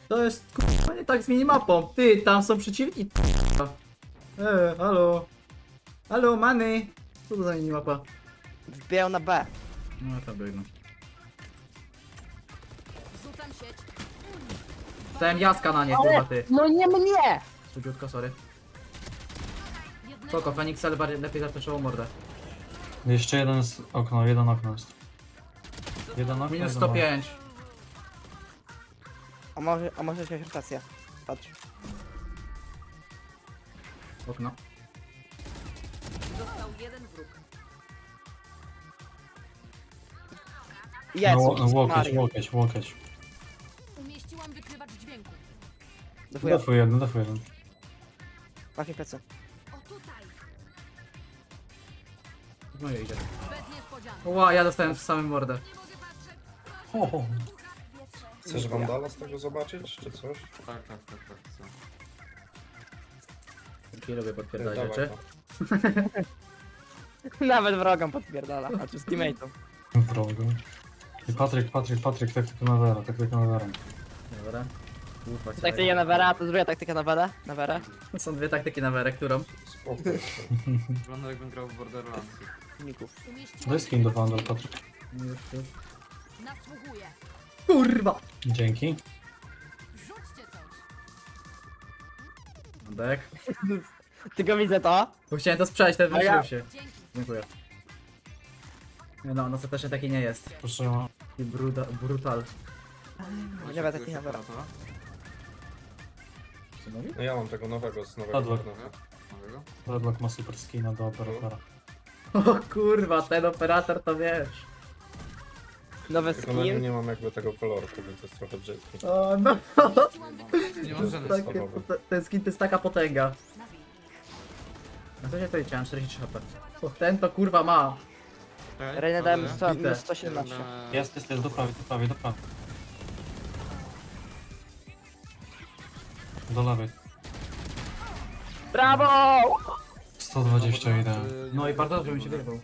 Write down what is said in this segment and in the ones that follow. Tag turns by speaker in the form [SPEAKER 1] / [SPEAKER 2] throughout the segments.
[SPEAKER 1] To jest kurwa nie tak z minimapą. Ty, tam są przeciwni. Halo. Halo, many. Co to za minimapa?
[SPEAKER 2] Wbijał na B.
[SPEAKER 1] No tam biegną.
[SPEAKER 3] Rzucam sieć.
[SPEAKER 1] Dałem jaska na nie, kurwa ty.
[SPEAKER 2] No nie mnie!
[SPEAKER 1] Studziutko, sorry.
[SPEAKER 3] Jednego.
[SPEAKER 1] Spoko, Fenix ale bardziej lepiej zapeszyło mordę.
[SPEAKER 4] Jeszcze jeden okno, jeden okno jest. Jeden okno,
[SPEAKER 1] Minus
[SPEAKER 4] jeden
[SPEAKER 1] 105.
[SPEAKER 2] A może się rotacja. Patrz.
[SPEAKER 1] Okno.
[SPEAKER 3] Został jeden wróg.
[SPEAKER 2] Jest!
[SPEAKER 4] Łokieć,
[SPEAKER 2] Mario.
[SPEAKER 4] łokieć.
[SPEAKER 3] Umieściłam wykrywacz dźwięku.
[SPEAKER 2] Defuję.
[SPEAKER 4] Defuj jeden, defuj jeden.
[SPEAKER 2] Masz mi plecy.
[SPEAKER 3] O tutaj.
[SPEAKER 1] No i idzie.
[SPEAKER 3] Bez niespodzianek.
[SPEAKER 1] Ła, ja dostałem w samym mordę.
[SPEAKER 4] O,
[SPEAKER 5] Chcesz Wandala z tego zobaczyć, czy coś?
[SPEAKER 6] Tak, co?
[SPEAKER 1] Taki lubię podpierdać
[SPEAKER 5] Dawaj
[SPEAKER 1] rzeczy.
[SPEAKER 5] to.
[SPEAKER 2] Nawet wrogom podpierdala, a czy z teammate'ą.
[SPEAKER 4] wrogo. I Patryk, taktyka na Vera, taktyka na Vera.
[SPEAKER 1] Dobra. Ufa,
[SPEAKER 2] Taktyka na Vera, to druga taktyka na Vera. Na Vera.
[SPEAKER 1] Są dwie taktyki na werę, którą?
[SPEAKER 5] Spokój.
[SPEAKER 6] Wygląda jakbym grał w Borderlands.
[SPEAKER 2] Ników.
[SPEAKER 3] Umieściłam
[SPEAKER 4] Daj skin do Vandal, Patryk.
[SPEAKER 1] Już.
[SPEAKER 3] Nasłuchuję.
[SPEAKER 1] Kurwa!
[SPEAKER 4] Dzięki.
[SPEAKER 3] Rzućcie coś.
[SPEAKER 1] Dek.
[SPEAKER 2] Tylko widzę to.
[SPEAKER 1] Bo chciałem to sprzedać, ten
[SPEAKER 2] A ja-
[SPEAKER 1] wyrzucił się.
[SPEAKER 3] Dzięki.
[SPEAKER 1] Dziękuję. Nie no, on ostatecznie taki nie jest.
[SPEAKER 4] Proszę,
[SPEAKER 1] Taki brutal.
[SPEAKER 2] Nie będę takich na Vera.
[SPEAKER 1] Co mówi?
[SPEAKER 5] No ja mam tego nowego z nowego
[SPEAKER 4] Padło.
[SPEAKER 5] internetu.
[SPEAKER 6] Nowego?
[SPEAKER 4] Redlock ma super skina do operatora.
[SPEAKER 1] O kurwa, ten operator to wiesz.
[SPEAKER 2] Nowy
[SPEAKER 5] Tylko na nim
[SPEAKER 2] skin.
[SPEAKER 5] nie mam jakby tego kolorku, więc to jest trochę brzydkie.
[SPEAKER 1] O no,
[SPEAKER 3] Umieściłam wykrywacz.
[SPEAKER 6] Nie
[SPEAKER 1] to
[SPEAKER 6] mam
[SPEAKER 1] jest
[SPEAKER 6] żadnych
[SPEAKER 1] takie,
[SPEAKER 5] słowowych.
[SPEAKER 1] ten skin to jest taka potęga.
[SPEAKER 3] Nabiję.
[SPEAKER 1] Na co się to liczyłem? 43 HP. O, ten to kurwa ma.
[SPEAKER 2] Rejna dałem
[SPEAKER 1] Bite.
[SPEAKER 2] minus 117.
[SPEAKER 4] Jest, do prawej. Do lewej.
[SPEAKER 2] Brawo!
[SPEAKER 4] 120 idealnie.
[SPEAKER 1] No i bardzo dobrze mi się wyrwał.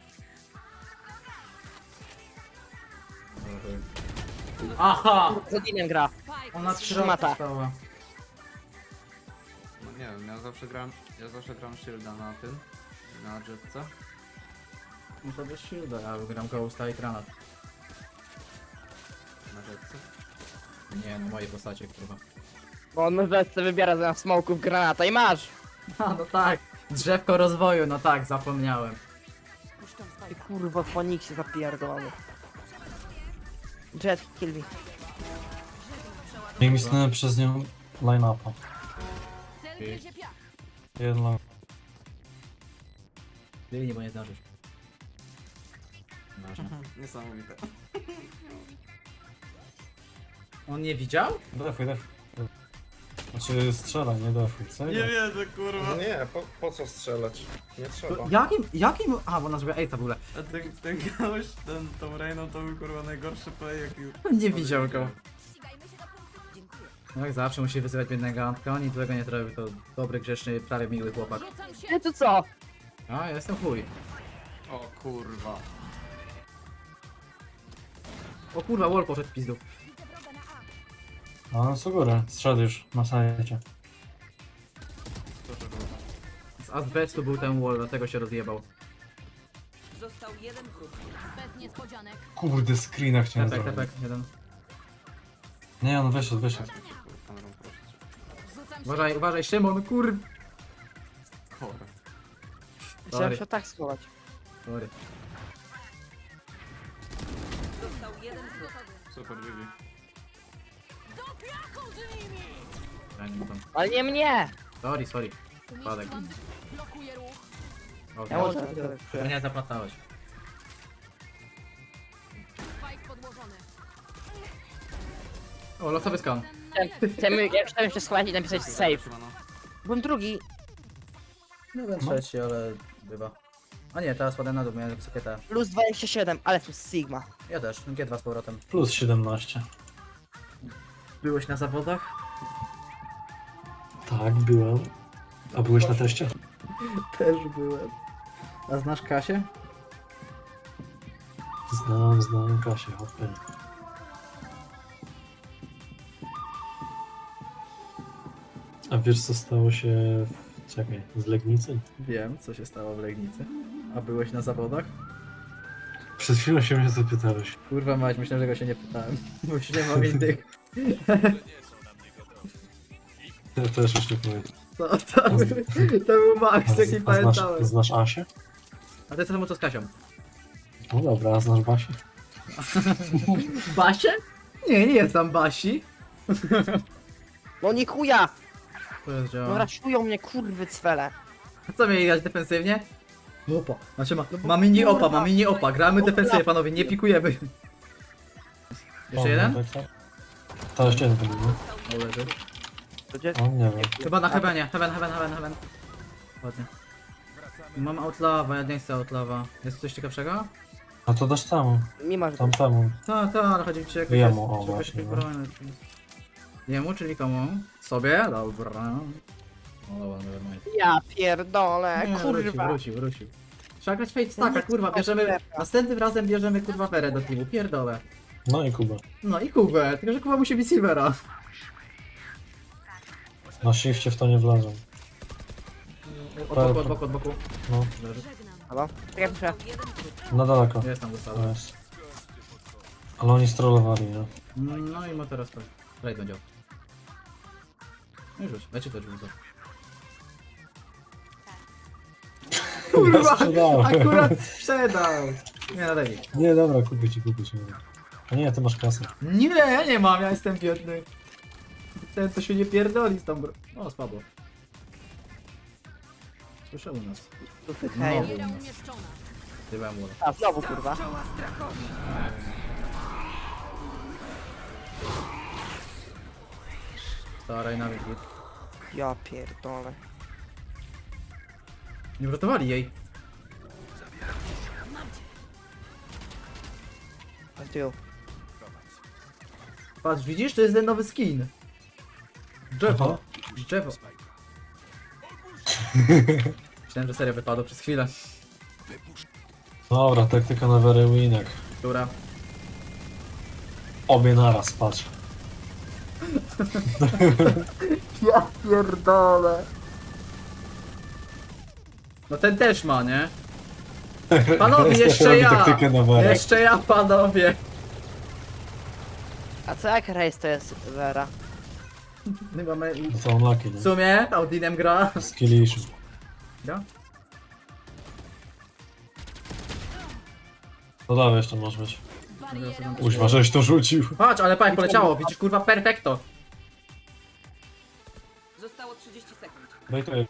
[SPEAKER 1] Aha!
[SPEAKER 2] Z Odinem gra.
[SPEAKER 3] Spike.
[SPEAKER 1] Ona 3
[SPEAKER 2] Szmata.
[SPEAKER 1] razy stała.
[SPEAKER 6] No nie wiem, ja zawsze gram shielda na tym, na jetce.
[SPEAKER 1] No to bez shielda, ja gram Ghosta i granat.
[SPEAKER 6] Na jetce.
[SPEAKER 1] Nie, na mojej postaci, kurwa.
[SPEAKER 2] Bo on może sobie wybiera zamiast smoków granata i masz!
[SPEAKER 1] A, no tak. Drzewko rozwoju, no tak, zapomniałem.
[SPEAKER 3] Puszczam
[SPEAKER 2] Ty
[SPEAKER 3] spike.
[SPEAKER 2] kurwa w Foniksie zapierdolony. Jet, kill me.
[SPEAKER 4] Nie misnąłem przez nią line-upa.
[SPEAKER 3] Cel gryzie piach.
[SPEAKER 4] Jeden long.
[SPEAKER 1] Biegnij, bo nie zdążysz. Ważne.
[SPEAKER 6] Niesamowite.
[SPEAKER 1] On nie widział?
[SPEAKER 4] Defuj. Znaczy strzela, nie defuj, co?
[SPEAKER 6] Nie wierzę, kurwa.
[SPEAKER 5] No nie, po co strzelać? Nie trzeba.
[SPEAKER 1] Jakim? A, bo ona zrobiła ej w ogóle.
[SPEAKER 6] A ten gość, tą Reyną to był kurwa najgorszy play jaki...
[SPEAKER 1] Nie widział go.
[SPEAKER 3] Ścigajmy się do punktu. Dziękuję.
[SPEAKER 1] No jak zawsze musi wyzywać biednego Antka, oni tego nie robi, to dobry, grzeczny, prawie miły chłopak.
[SPEAKER 3] Rzucam się.
[SPEAKER 2] Ty tu co?
[SPEAKER 1] A, ja jestem chuj.
[SPEAKER 6] O kurwa.
[SPEAKER 1] O kurwa, wall poszedł w pizdu.
[SPEAKER 3] Widzę wroga na A.
[SPEAKER 4] A no co górę, strzał już na sajcie.
[SPEAKER 6] Proszę kurwa.
[SPEAKER 1] Z azbestu był ten wall, dlatego się rozjebał.
[SPEAKER 3] Został jeden wróg. Bez niespodzianek.
[SPEAKER 4] Kurde, screena chciałem
[SPEAKER 1] Tepek,
[SPEAKER 4] zrobić.
[SPEAKER 1] tepek, jeden.
[SPEAKER 4] Nie, on wyszedł.
[SPEAKER 6] Kamerą prosić.
[SPEAKER 3] Rzucam się.
[SPEAKER 1] Uważaj, Szymon, kur...
[SPEAKER 6] Chore.
[SPEAKER 2] Chciałem się tak schować.
[SPEAKER 1] Sorry.
[SPEAKER 3] Został jeden wróg.
[SPEAKER 6] Super, GG.
[SPEAKER 3] Do piachu z nimi!
[SPEAKER 1] Ja nie tam.
[SPEAKER 2] Ale nie mnie!
[SPEAKER 1] Sorry. Spadek.
[SPEAKER 3] Umieściłam. Blokuję ruch.
[SPEAKER 1] O,
[SPEAKER 2] Ja
[SPEAKER 1] dobrze.
[SPEAKER 2] może
[SPEAKER 1] Nie zaplatałeś.
[SPEAKER 3] Spike podłożony.
[SPEAKER 1] O, losowy skan.
[SPEAKER 2] Chciałem się schować i napisać save.
[SPEAKER 6] Siemano.
[SPEAKER 2] Byłem drugi.
[SPEAKER 1] No ten trzeci, ale bywa. A nie, teraz spadłem na dół, miałem wysokie te.
[SPEAKER 2] Plus 27, ale plus Sigma.
[SPEAKER 1] Ja też, G2 z powrotem.
[SPEAKER 4] Plus 17.
[SPEAKER 1] Byłeś na zawodach?
[SPEAKER 4] Tak, byłem. A byłeś na teście?
[SPEAKER 1] Też byłem. A znasz Kasię?
[SPEAKER 4] Znam Kasię, hopy. A wiesz co stało się... Czekaj, z Legnicy?
[SPEAKER 1] Wiem, co się stało w Legnicy. A byłeś na zawodach?
[SPEAKER 4] Przed chwilą się mnie zapytałeś.
[SPEAKER 1] Kurwa mać, myślę, że go się nie pytałem. Bo już nie mam innych.
[SPEAKER 4] Ja też już nie powiem.
[SPEAKER 1] To był Max, jaki pamiętałem.
[SPEAKER 4] Znasz Asię?
[SPEAKER 1] A ty co temu co z Kasią?
[SPEAKER 4] No dobra, a znasz Basię?
[SPEAKER 1] Basię? Nie, nie jest tam Basi.
[SPEAKER 2] No nie chuja!
[SPEAKER 1] To jest
[SPEAKER 2] No
[SPEAKER 1] działa.
[SPEAKER 2] raszują mnie kurwy cwele.
[SPEAKER 1] A co mieli grać defensywnie? Opa. Znaczy ma mini opa, ma mini opa. Gramy defensywnie, panowie, nie pikujemy. Jeszcze jeden?
[SPEAKER 4] To jeszcze jeden będzie, nie?
[SPEAKER 1] O, leży.
[SPEAKER 2] To gdzie?
[SPEAKER 4] O, nie wiem.
[SPEAKER 1] Chyba na heavenie. Heaven. Ładnie. Mam outlawa, ja nie chcę outlawa. Jest coś ciekawszego?
[SPEAKER 4] A to dasz temu,
[SPEAKER 2] Mimo, że
[SPEAKER 4] tamtemu.
[SPEAKER 1] Tak, ale chodzi mi ci jakoś...
[SPEAKER 4] Jemu, o,
[SPEAKER 1] czy jakoś
[SPEAKER 4] właśnie, no.
[SPEAKER 1] broń. Jemu, czyli komu? Sobie? Dobra. O, dobra, nevermind.
[SPEAKER 2] ja pierdolę,
[SPEAKER 1] Nie,
[SPEAKER 2] kurwa.
[SPEAKER 1] Wrócił. Trzeba grać fate stacka, kurwa, bierzemy... Następnym razem bierzemy, kurwa, Ferę do teamu, pierdolę.
[SPEAKER 4] No i Kuba.
[SPEAKER 1] No i Kubę, tylko że Kuba musi być Silvera.
[SPEAKER 4] Na shifcie w to nie wlazłem.
[SPEAKER 1] Od boku.
[SPEAKER 4] No,
[SPEAKER 1] Leży.
[SPEAKER 2] Halo? Czekaj, proszę.
[SPEAKER 4] na daleko.
[SPEAKER 1] Jest tam dostała.
[SPEAKER 4] To jest. Ale oni strollowali, nie?
[SPEAKER 1] No i ma teraz raid będzie. No i rzuć, dajcie to rzucę. Kurwa,
[SPEAKER 4] sprzedałem.
[SPEAKER 1] akurat sprzedał. Nie, no daj mi.
[SPEAKER 4] Nie, dobra, kupię ci. A nie, ty masz kasę.
[SPEAKER 1] Nie, ja nie mam, ja jestem biedny. Ten to się nie pierdoli z tą O, spadło. Słyszał u nas.
[SPEAKER 2] Hej.
[SPEAKER 1] No.
[SPEAKER 3] Bariera umieszczona.
[SPEAKER 1] Dywałem wodę.
[SPEAKER 2] A, znowu kurwa.
[SPEAKER 1] Stara i nawet git.
[SPEAKER 2] Ja pierdolę.
[SPEAKER 1] Nie wratowali jej.
[SPEAKER 2] A tył.
[SPEAKER 1] Patrz, widzisz? To jest ten nowy skin. Drzewo. Drzewo. Myślałem, że serio wypadło przez chwilę.
[SPEAKER 4] Dobra, taktyka na very winek.
[SPEAKER 1] Która?
[SPEAKER 4] Obie naraz, patrz.
[SPEAKER 1] Ja pierdolę. No ten też ma, nie? Panowie, jeszcze
[SPEAKER 4] robi
[SPEAKER 1] ja!
[SPEAKER 4] taktykę na very.
[SPEAKER 1] Jeszcze ja, panowie!
[SPEAKER 2] A co jak rejs to jest Vera?
[SPEAKER 1] My mamy...
[SPEAKER 4] No to unlucky,
[SPEAKER 1] W
[SPEAKER 4] nie?
[SPEAKER 1] sumie Audinem gra.
[SPEAKER 4] Skillish.
[SPEAKER 1] Gra?
[SPEAKER 4] No dawaj, jeszcze możesz mieć.
[SPEAKER 3] Bariera
[SPEAKER 4] Uźwa, żeś to rzucił.
[SPEAKER 1] Patrz, ale patrz, poleciało, widzisz, kurwa, perfekto.
[SPEAKER 3] Zostało 30 sekund.
[SPEAKER 4] Bejtuję.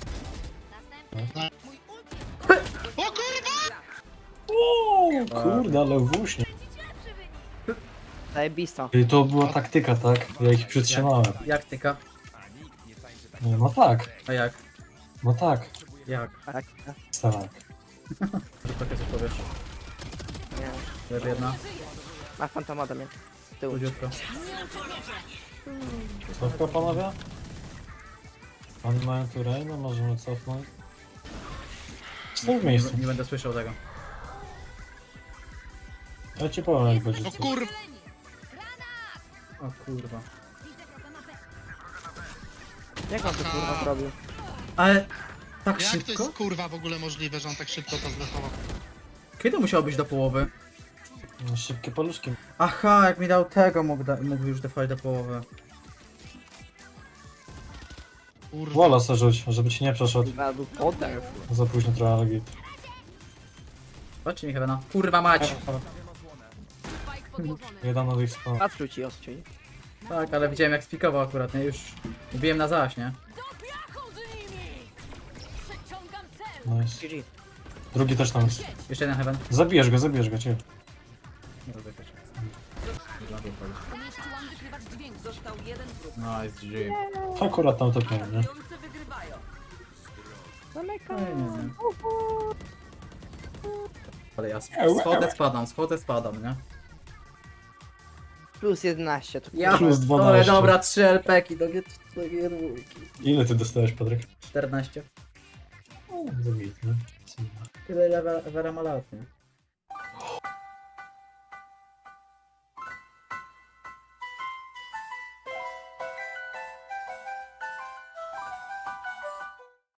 [SPEAKER 4] Kurde, ale włóśnie.
[SPEAKER 2] Zajebisto.
[SPEAKER 4] I to była taktyka, tak? Ja ich przytrzymałem.
[SPEAKER 1] Jak tyka?
[SPEAKER 4] Nie, no tak.
[SPEAKER 1] A jak?
[SPEAKER 4] No tak.
[SPEAKER 1] Jak?
[SPEAKER 2] Tak,
[SPEAKER 4] Tak.
[SPEAKER 1] Takie coś powiesz.
[SPEAKER 2] nie.
[SPEAKER 1] Leży jedna,
[SPEAKER 2] Masz fantoma do mnie. Tył.
[SPEAKER 1] chudziutko.
[SPEAKER 4] Cofka, panowie? Oni mają tu Reina, możemy cofnąć. Stoi w miejscu.
[SPEAKER 1] Nie będę słyszał tego.
[SPEAKER 4] Ja ci powiem, jak będzie coś.
[SPEAKER 1] O kurwa.
[SPEAKER 2] Jak on to kurwa zrobił?
[SPEAKER 1] Ale... Tak
[SPEAKER 7] Jak to
[SPEAKER 1] szybko?
[SPEAKER 7] jest kurwa w ogóle możliwe, że on tak szybko to zlechował?
[SPEAKER 1] Kiedy musiał być do połowy?
[SPEAKER 4] No, szybkie paluszki.
[SPEAKER 1] Aha, jak mi dał tego, mógł już defować do połowy.
[SPEAKER 7] Kurwa.
[SPEAKER 4] Wola se rzuć, żeby ci nie przeszedł.
[SPEAKER 2] Kurwa, był poder.
[SPEAKER 4] Za późno trochę, ale git.
[SPEAKER 1] Patrzcie mi Heavena. Kurwa mać!
[SPEAKER 3] Spike podłożony.
[SPEAKER 4] Jeden od ich spał.
[SPEAKER 2] Patrzył ci ostrzyj.
[SPEAKER 1] Tak, ale widziałem jak spikował akurat, nie? Już mówiłem na zaś, nie?
[SPEAKER 3] Do piachu z nimi! Przeciągam cel!
[SPEAKER 4] Nice.
[SPEAKER 2] GG.
[SPEAKER 4] Drugi też tam jest.
[SPEAKER 1] Jeszcze jeden Heaven.
[SPEAKER 4] Zabijesz go, cię.
[SPEAKER 1] Nie rozbiegać.
[SPEAKER 3] Umieściłam wykrywacz dźwięku. Został jeden wróg.
[SPEAKER 1] Nice, GG.
[SPEAKER 4] Akurat tam to miałem, nie?
[SPEAKER 3] Biorący wygrywają.
[SPEAKER 1] Nie. Ale ja schodzę, spadam, nie?
[SPEAKER 2] Plus 11 to
[SPEAKER 1] Ja
[SPEAKER 4] Plus
[SPEAKER 1] ale
[SPEAKER 4] 12.
[SPEAKER 1] dobra, 3 LP-ki do G2.
[SPEAKER 4] Ile ty dostałeś, Patryk?
[SPEAKER 1] 14.
[SPEAKER 4] Zabit, nie?
[SPEAKER 1] Tyle Vera ma lat, nie?